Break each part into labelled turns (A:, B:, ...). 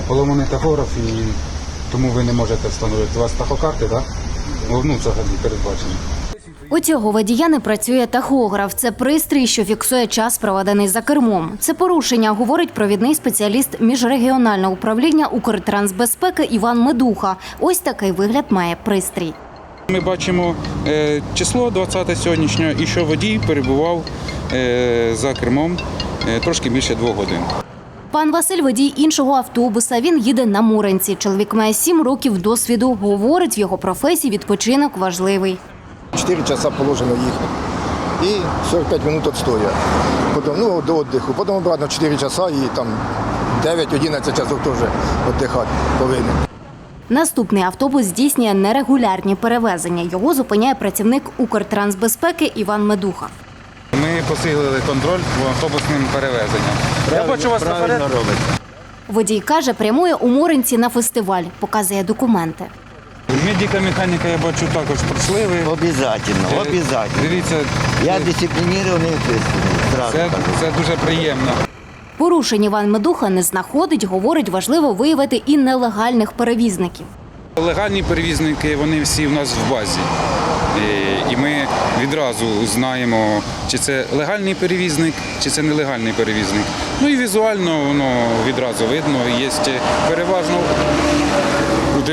A: поломаний тахограф і тому ви не можете встановити. У вас тахокарти, так? Ну, взагалі передбачено.
B: У цього водія не працює тахограф. Це пристрій, що фіксує час, проведений за кермом. Це порушення, говорить провідний спеціаліст міжрегіонального управління Укртрансбезпеки Іван Медуха. Ось такий вигляд має пристрій.
A: Ми бачимо число 20 сьогоднішнього і що водій перебував за кермом трошки більше 2 годин.
B: Пан Василь – водій іншого автобуса. Він їде на Муринці. Чоловік має 7 років досвіду. Говорить, в його професії відпочинок важливий.
C: 4 часа положено їхати і 45 хвилин відстоя. Потім, до відпочинку. Потім обратно 4 часа і там 9-11 часов теж відпочивати повинен.
B: Наступний автобус здійснює нерегулярні перевезення. Його зупиняє працівник Укртрансбезпеки Іван Медуха.
A: Ми посилили контроль по автобусним перевезенням. Я бачу вас наперед.
B: Водій каже, прямує у Муринці на фестиваль. Показує документи.
A: Медико-механіка, я бачу, також пройшли ви.
D: Обязательно.
A: Дивіться,
D: Я дисциплінований і відповідальний.
A: це дуже приємно.
B: Порушень Іван Медуха не знаходить. Говорить, важливо виявити і нелегальних перевізників.
A: Легальні перевізники, вони всі в нас в базі. І ми відразу знаємо, чи це легальний перевізник, чи це нелегальний перевізник. Ну і візуально воно відразу видно. Є переважно у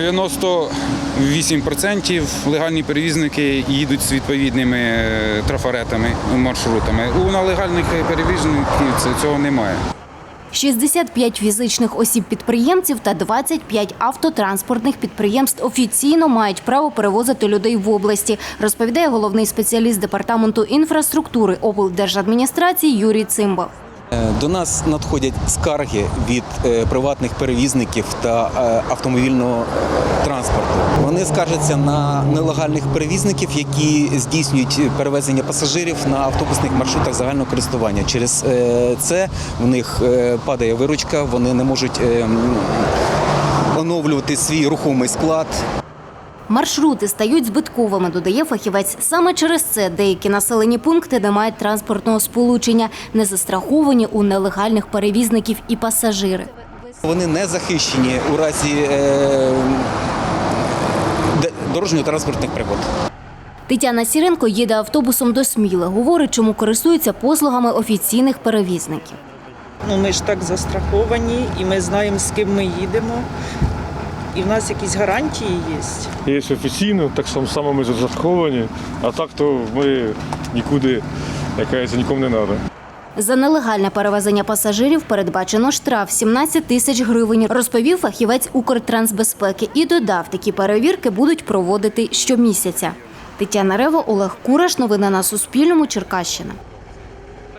A: 98% легальні перевізники їдуть з відповідними трафаретами, маршрутами. У нелегальних перевізників цього немає.
B: 65 фізичних осіб-підприємців та 25 автотранспортних підприємств офіційно мають право перевозити людей в області, розповідає головний спеціаліст Департаменту інфраструктури облдержадміністрації Юрій Цимбал.
E: До нас надходять скарги від приватних перевізників та автомобільного транспорту. Вони скаржаться на нелегальних перевізників, які здійснюють перевезення пасажирів на автобусних маршрутах загального користування. Через це в них падає виручка, вони не можуть оновлювати свій рухомий склад.
B: Маршрути стають збитковими, додає фахівець. Саме через це деякі населені пункти не мають транспортного сполучення, не застраховані у нелегальних перевізників і пасажири.
E: Вони не захищені у разі дорожньо-транспортних пригод.
B: Тетяна Сіренко їде автобусом до Сміли. Говорить, чому користується послугами офіційних перевізників.
F: Ми ж так застраховані і ми знаємо, з ким ми їдемо. І в нас якісь гарантії є.
G: Є офіційно, так само ми застраховані, а так то ми нікуди, нікому не треба.
B: За нелегальне перевезення пасажирів передбачено штраф 17 тисяч гривень, розповів фахівець Укртрансбезпеки. І додав, такі перевірки будуть проводити щомісяця. Тетяна Рева, Олег Кураш. Новини на Суспільному. Черкащина.